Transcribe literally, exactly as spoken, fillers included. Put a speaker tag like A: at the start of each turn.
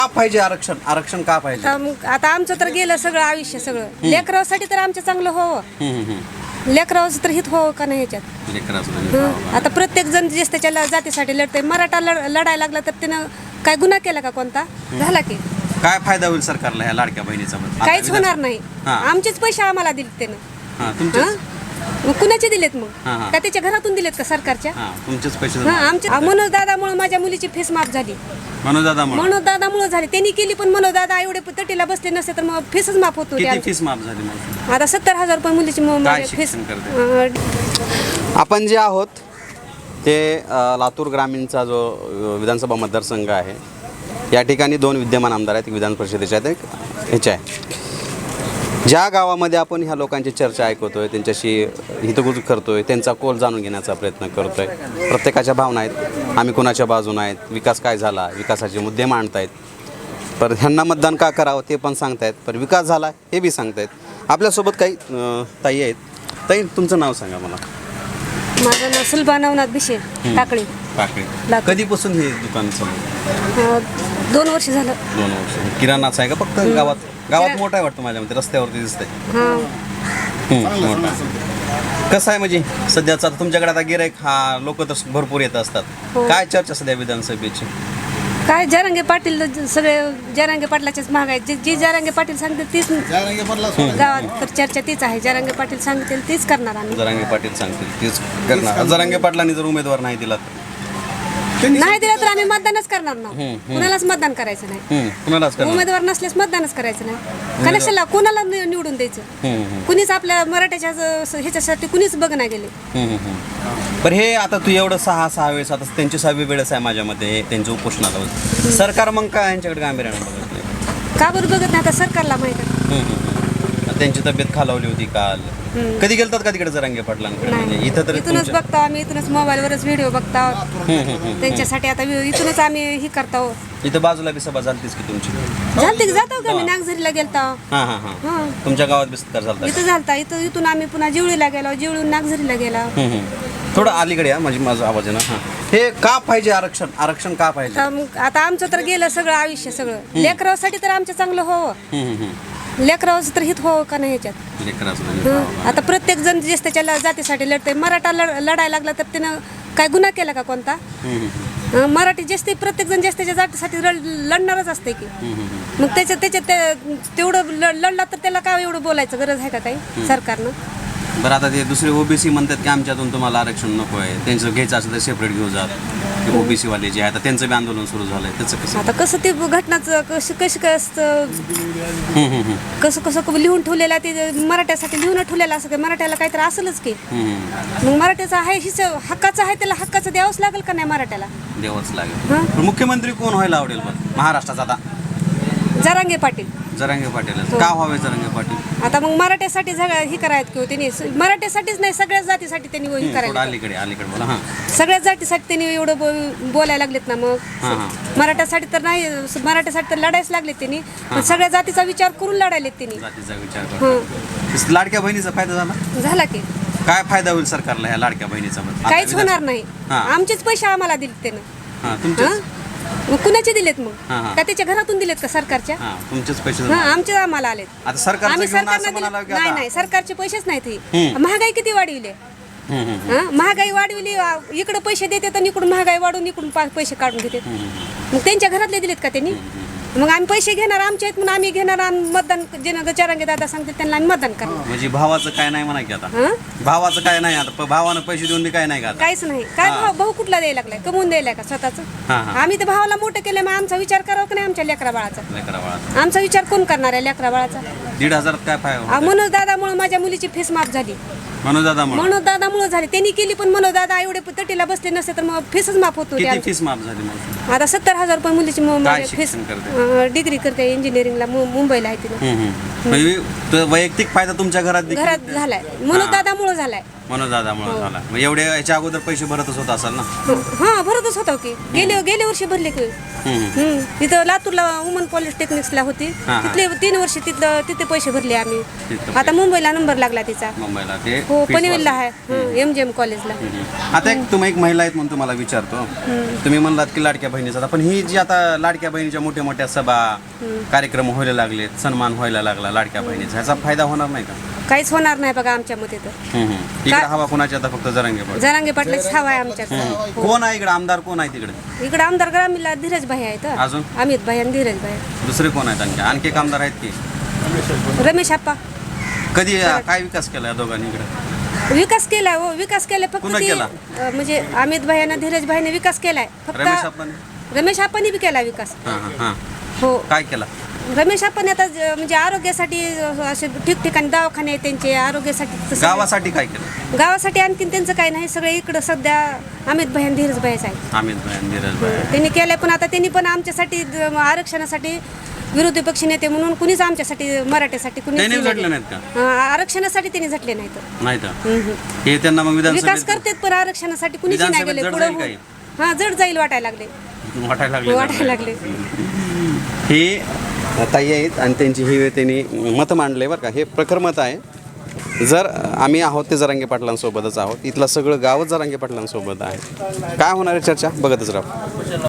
A: का पाहिजे आरक्षण? आरक्षण का पाहिजे?
B: आता मग- आता आमचं तर गेलं सगळं आयुष्य सगळं लेकरासाठी तर आमचं चांगलं हो लेकराचं तर हित हो का नाही ह्याच्यात हं. आता प्रत्येक जण जे त्याच्या ल- जातीसाठी लढतंय मराठा लढ- लढायला लागला तर त्यानं काय गुन्हा केला का कोणता झाला की
A: काय फायदा होईल सरकारला ह्या लाडक्या बहिणीचा? आता
B: काहीच
A: विधान-
B: होणार नाही
A: हा.
B: आमचेच पैसे आम्हाला दिले त्यानं
A: हा, तुमचेच
B: हं? मग कुणाचे दिलेत मग
A: हा, हा.
B: का त्याच्या घरातून दिलेत का सरकारच्या
A: हा, तुमचेच पैसे
B: हा आमच्या मनोज दादामुळे माझ्या मुलीची फीस माफ झाली
A: मनोज दादा म्हणून
B: मनोज दादामुळे झाली त्यांनी केली पण मनोज दादा एवढे तटीला बसले नसते तर मग फीसच माफ होत होती
A: किती
B: आमची.
A: फीस माफ झाली मग?
B: आता सत्तर हजार रुपये मुलीची म-
A: काय
B: माझी फीस
A: शिक्षण करते? आपण जे आहोत ते अ, लातूर ग्रामीणचा जो अ, विधानसभा मतदारसंघ आहे या ठिकाणी दोन विद्यमान आमदार आहेत. एक विधान परिषदेचे आहेत, एक ह्याचे आहे. ज्या गावामध्ये आपण ह्या लोकांची चर्चा ऐकतोय, त्यांच्याशी हितगुज करतोय, त्यांचा कोल जाणून घेण्याचा प्रयत्न करतोय. प्रत्येकाच्या भावना आहेत, आम्ही कोणाच्या बाजूने आहेत, विकास काय झाला, विकासाचे मुद्दे मांडतायत. पर ह्यांना मतदान का करावं ते पण सांगतायत, पण विकास झाला हे बी सांगतायत. आपल्यासोबत काही अ, ताई आहेत. ताई, तुमचं नाव सांगा मला.
B: माझं नाव सुलभा नवनाथ भिशे टाकळी
A: पाकळी.
B: लातूर.
A: कधीपासून हे दुकान चालू?
B: अं, दोन वर्ष झालं
A: दोन वर्ष. किराणाचं आहे का फक्त गावात? गावात मोठा आहे वाटतं माझ्या मते, रस्त्यावरती दिसतंय.
B: हा
A: मोठा. कसं आहे म्हणजे सध्याचा तुमच्याकडे आता गिराईक हा लोक तर भरपूर येत असतात.
B: हो.
A: काय चर्चा सध्या विधानसभेची?
B: काय जरांगे पाटील सगळे जरांगे पाटलाचेच महाग आहेत जे जे जरांगे पाटील सांगतील तीच गावात तर चर्चा तीच आहे जरांगे पाटील सांगतील तीच करणार आम्ही
A: जरांगे पाटील सांगतील तेच करणार. जरांगे पाटलांनी जर उमेदवार नाही दिला तर?
B: नाही दिलं तर आम्ही मतदानच करणार ना कुणालाच मतदान करायचं नाही
A: हम्म, कुणालाच करणार?
B: उमेदवार नसल्यास मतदानच करायचं नाही कशाला कोणाला नि- निवडून द्यायचं
A: हम्म, हम्म,
B: कुणीच आपल्या मराठ्याच्या ज- ह्याच्यासाठी कुणीच बघ गेले
A: हम्म, हम्म. पण हे आता तू एवढं सहा सहा वेळेस आता त्यांची सहावी वेळेस आहे माझ्या मते हे त्यांचं उपोषणाला होतं. सरकार मग काय यांच्याकडे गांभीर्याने बघत नाही?
B: का बरं बघत नाही आता सरकारला माहित आहे
A: हम्म, हम्म, हम्म. त्यांची तब्येत खालावली होती काल.
B: हम्म.
A: कधी गेलतात का तिकडे जरांगे पाटलांकडे? म्हणजे
B: नाही
A: इथं तर
B: इथूनच
A: तुमच्या-
B: बघतो आम्ही इथूनच मोबाईलवरच व्हिडिओ बघतो
A: हम्म, हम्म, हम्म.
B: त्यांच्यासाठी आता वि- इथूनच आम्ही ही करतो
A: इथं बाजूला बी सभा झालतीच की तुमची?
B: झालते की जातो का आम्ही नागझरीला गेलतो
A: हां हां हां.
B: हा
A: तुमच्या गावात बिस्तर झालता?
B: इथं झालता इथं इथून आम्ही पुन्हा जिवळीला गेलो जिवळून नागझरीला गेला
A: हम्म, हम्म. थोडं अलीकडे या म्हणजे माझा आवाज आहे ना. हां. हे का पाहिजे आरक्षण? आरक्षण का पाहिजे?
B: आता मग- आता आमचं तर गेलं सगळं आयुष्य सगळं लेकरासाठी तर आमचं चांगलं हो
A: हम्म, हम्म, हम्म.
B: लेकराचं तर हित हो का नाही ह्याच्यात
A: लेकराचं
B: हं. आता प्रत्येक जण जे त्याच्या ल- जातीसाठी लढतंय मराठा लढ- लढायला लागला तर त्यानं काय गुन्हा केला का कोणता
A: हम्म, हम्म,
B: हं, मराठी जास्त प्रत्येक जण जास्त त्याच्या जातीसाठी लढ- लढणारच असते की
A: हम्म, हम्म.
B: मग त्याच्यात त्याच्यात ते- तेवढं ल- लढला तर त्याला काय एवढं बोलायचं गरज आहे का काही सरकारनं
A: बरं, आता ते दुसरे ओबीसी म्हणतात की आमच्यातून तुम्हाला आरक्षण नको आहे, त्यांचं घ्यायचं असेल तर सेपरेट घेऊ जात. ते ओबीसी वाले जे आहे आता त्यांचं बी आंदोलन सुरू झालंय, त्याचं कसं?
B: आता कसं ते घटनाचं कसं कसं कसं
A: हम्म, हम्म, हम्म.
B: कसं कसं लिहून ठेवलेलं आहे ते मराठ्यासाठी लिहून ठेवलेलं असं काही मराठ्याला काहीतरी असेलच की
A: हम्म, हम्म.
B: मग मराठ्याचा आहे हिच हक्काचं आहे त्याला हक्काचं द्यावंच लागेल का नाही मराठ्याला
A: द्यावंच लागेल.
B: हं?
A: पण मुख्यमंत्री कोण व्हायला आवडेल पण महाराष्ट्राचा आता?
B: जरांगे पाटील
A: जरांगे पाटील. का व्हावे जरांगे पाटील?
B: आता मग मराठ्यासाठी सगळं हे करायचं किंवा त्यांनी स- मराठ्यासाठीच नाही सगळ्याच जातीसाठी त्यांनी हे
A: थोडं
B: करायला
A: अलीकडे अलीकडे बोला. हां
B: सगळ्याच जातीसाठी त्यांनी एवढं बो- बोलायला लागलेत ना मग
A: हां हां.
B: मराठ्यासाठी तर नाही मराठ्यासाठी तर लढायच लागलेत त्यांनी पण सगळ्या जातीचा विचार करून लढायलेत त्यांनी
A: जातीचा विचार
B: हं.
A: करतो. लाडक्या बहिणीचा फायदा झाला?
B: झाला की
A: काय फायदा होईल सरकारला ह्या लाडक्या बहिणीचा? आता
B: काहीच
A: विधान-
B: होणार नाही
A: हां.
B: आमचेच पैसे आम्हाला दिले त्यानं
A: हां, तुमचेच.
B: हं? मग कुणाचे दिलेत मग
A: हां, हां.
B: का त्याच्या घरातून दिलेत का सरकारच्या
A: हां, तुमचेच पैसे
B: हा
A: जमा.
B: आमचे आम्हाला आलेत
A: आता सरकारचं
B: आम्ही
A: घेऊन असं
B: सरकारनं
A: म्हणायला
B: दिले
A: की
B: नाही
A: आता-
B: नाही सरकारचे पैसेच नाहीत ही
A: हम्म.
B: महागाई किती वाढविले
A: हम्म, हम्म,
B: हा महागाई वाढविली आ, इकडं पैसे देतात आणि इकडून महागाई वाढून इकडून पा- पैसे काढून घेतात
A: हम्म.
B: मग त्यांच्या घरातले दिलेत का त्यांनी मग आम्ही पैसे घेणार आमचे आहेत म्हणून आम्ही घेणार आम्ही मतदान जे जरांगे दादा सांगतील त्यांना आम्ही मतदान करणार
A: म्हणजे भावाचं काय नाही म्हणा की आता?
B: हं?
A: भावाचं काय नाही आता? प- भावानं पैसे देऊन बी काय नाही का आता?
B: काहीच नाही काय
A: हा.
B: भाऊ भाऊ कुठला द्यायला लागलाय कमवून द्यायला का स्वतःच
A: हा, हा.
B: आम्ही तर भावाला मोठं केलं मग आमचा विचार करावा का नाही आमच्या लेकरा बाळाचा
A: लेकरा बाळाचं.
B: आमचा विचार कोण करणार आहे लेकरा बाळाचा
A: दीड हजारात काय फायदा?
B: मनोज दादामुळे माझ्या मुलीची फीस माफ झाली
A: मनोज दादा म्हणून
B: मनोज दादामुळे झाली त्यांनी केली पण मनोज दादा एवढे तटीला बसले नसते तर मग फीसच माफ होत होती
A: किती
B: आमची.
A: फीस माफ झाली मग?
B: आता सत्तर हजार रुपये मुलीची मु-
A: काय
B: माझी फीस
A: शिक्षण करते?
B: अं, डिग्री करते इंजिनिअरिंगला मु- मुंबईला आहे तिने
A: हम्म, हम्म. म्हणजे तो वैयक्तिक फायदा तुमच्या घरात देखील-
B: घरात झालाय मनोज दादामुळे झालाय
A: मनोज दादामुळे झाला मग एवढे याच्या अगोदर पैसे भरतच होत असाल ना
B: हा भरतच होता की गेले गेल्या वर्षी भरले की
A: हम्म.
B: हम्म. तिथं लातूरला वुमन पॉलिटेक्निक्सला होती
A: हा, हा.
B: तिथले तीन वर्ष तिथलं तिथे पैसे भरले आम्ही
A: तिथं
B: आता मुंबईला नंबर लागला तिचा
A: मुंबईला ते
B: हो
A: fees
B: पनवेलला
A: वाढली.
B: आहे एम जी एम कॉलेजला
A: हम्म. आता एक तुम्ही एक महिला आहेत म्हणून तुम्हाला विचारतो तुम्ही म्हणलात की लाडक्या बहिणीचा आता पण ही जी आता लाडक्या बहिणीच्या मोठ्या मोठ्या सभा कार्यक्रम व्हायला लागलेत सन्मान व्हायला लागला लाडक्या बहिणीचा ह्याचा फायदा होणार नाही का
B: काहीच होणार नाही बघा आमच्या मते तर
A: हम्म, हम्म. इकडे हवा कोणाची आता फक्त जरांगे पाटील.
B: जरांगे पाटलाच हवा आहे आमच्याकडे
A: हम्म. कोण आहे इकडे आमदार कोण आहे तिकडे
B: इकडे आमदार ग्रामीणला धीरज भाई आहेत
A: अजून
B: अमित भाई आणि धीरज भाई
A: दुसरे कोण आहेत आणखी आणखी एक आमदार आहेत की
B: रमेश आप्पा
A: कधी काय विकास केला या दोघांनी इकडे
B: विकास केलाय हो विकास केलाय फक्त
A: पुन्हा
B: ते,
A: केला?
B: अं, म्हणजे अमित भाई आणि धीरज भाईने विकास केलाय
A: रमेश
B: फक्त
A: आपण
B: रमेश आप्पांनी बी केला विकास
A: हां हां हां
B: हो
A: काय केला
B: रमेश आपण आता ज- म्हणजे आरोग्यासाठी अ, असे ठिकठिकाणी दवाखाने आहेत त्यांचे आरोग्यासाठी तसं-
A: गावासाठी काय केलं
B: गावासाठी आणखीन त्यांचं काही नाही सगळे इकडं सध्या अमित भाई आणि धीरज भाईच आहे
A: अमित भाई धीरज भाई
B: त्यांनी केलंय पण आता त्यांनी पण आमच्यासाठी द- आरक्षणासाठी विरोधी पक्ष नेते म्हणून कुणीच आमच्यासाठी मराठ्यासाठी कुणीच
A: त्यांनी
B: केलं
A: झटले
B: नाही.
A: नाहीत का
B: अं, आरक्षणासाठी त्यांनी झटले नाहीत
A: नाही तर
B: हम्म.
A: हे त्यांना मग
B: विकास
A: विधानसभेत
B: करतेत पण आरक्षणासाठी कुणीच नाही
A: विधानसभेत
B: गेले
A: जड
B: पुढे
A: जाईल काही?
B: हा जड जाईल वाटायला लागले
A: वाटायला लागले
B: वाटायला लागले
A: हे ताई आहेत आणि त्यांची ही त्यांनी मत मांडले बरं का हे प्रखर मत आहे जर आम्ही आहोत ते जरांगे पाटलांसोबतच आहोत इथलं सगळं गावच जरांगे पाटलांसोबत आहे काय होणार आहे चर्चा बघतच राहू